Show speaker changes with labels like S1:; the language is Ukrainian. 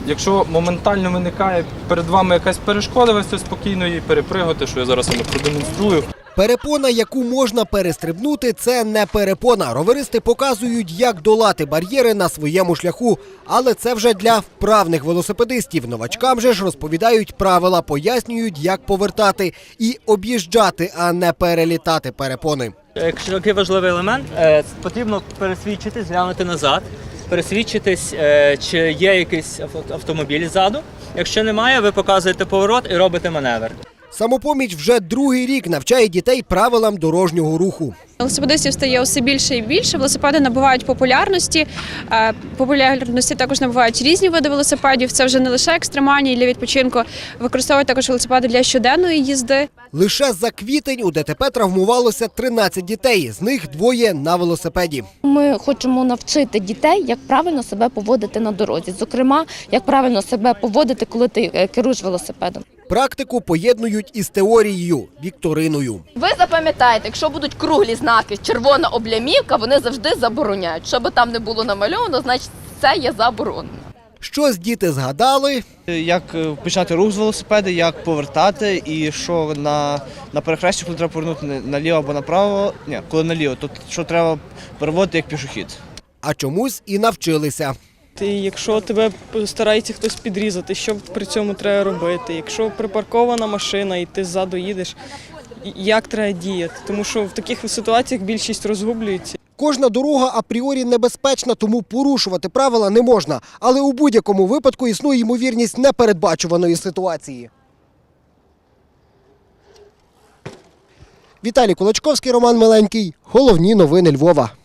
S1: Якщо моментально виникає перед вами якась перешкода, ви спокійно її перепригати, що я зараз вам продемонструю.
S2: Перепона, яку можна перестрибнути, це не перепона. Роверисти показують, як долати бар'єри на своєму шляху. Але це вже для вправних велосипедистів. Новачкам же ж розповідають правила, пояснюють, як повертати і об'їжджати, а не перелітати перепони.
S3: Якщо такий важливий елемент, потрібно пересвідчитись, глянути назад, пересвідчитись, чи є якийсь автомобіль ззаду. Якщо немає, ви показуєте поворот і робите маневр.
S2: Самопоміч вже другий рік навчає дітей правилам дорожнього руху.
S4: Велосипедистів стає все більше і більше, велосипеди набувають популярності. Популярності також набувають різні види велосипедів. Це вже не лише екстремальні для відпочинку, використовують також велосипеди для щоденної їзди.
S2: Лише за квітень у ДТП травмувалося 13 дітей, з них 2 на велосипеді.
S5: Ми хочемо навчити дітей, як правильно себе поводити на дорозі. Зокрема, як правильно себе поводити, коли ти керуєш велосипедом.
S2: Практику поєднують із теорією – вікториною.
S6: Ви запам'ятаєте, якщо будуть круглі знаки, червона облямівка, вони завжди забороняють. Що би там не було намальовано, значить це є заборонено.
S2: Щось діти згадали,
S7: як почати рух з велосипеда, як повертати і що на перехресті, коли треба повернути наліво або направо, коли наліво, то що треба переводити як пішохід.
S2: а чомусь і навчилися.
S8: Якщо тебе старається хтось підрізати, що при цьому треба робити? Якщо припаркована машина і ти ззаду їдеш, як треба діяти? Тому що в таких ситуаціях більшість розгублюється.
S2: Кожна дорога апріорі небезпечна, тому порушувати правила не можна. Але у будь-якому випадку існує ймовірність непередбачуваної ситуації. Віталій Кулачковський, Роман Миленький. Головні новини Львова.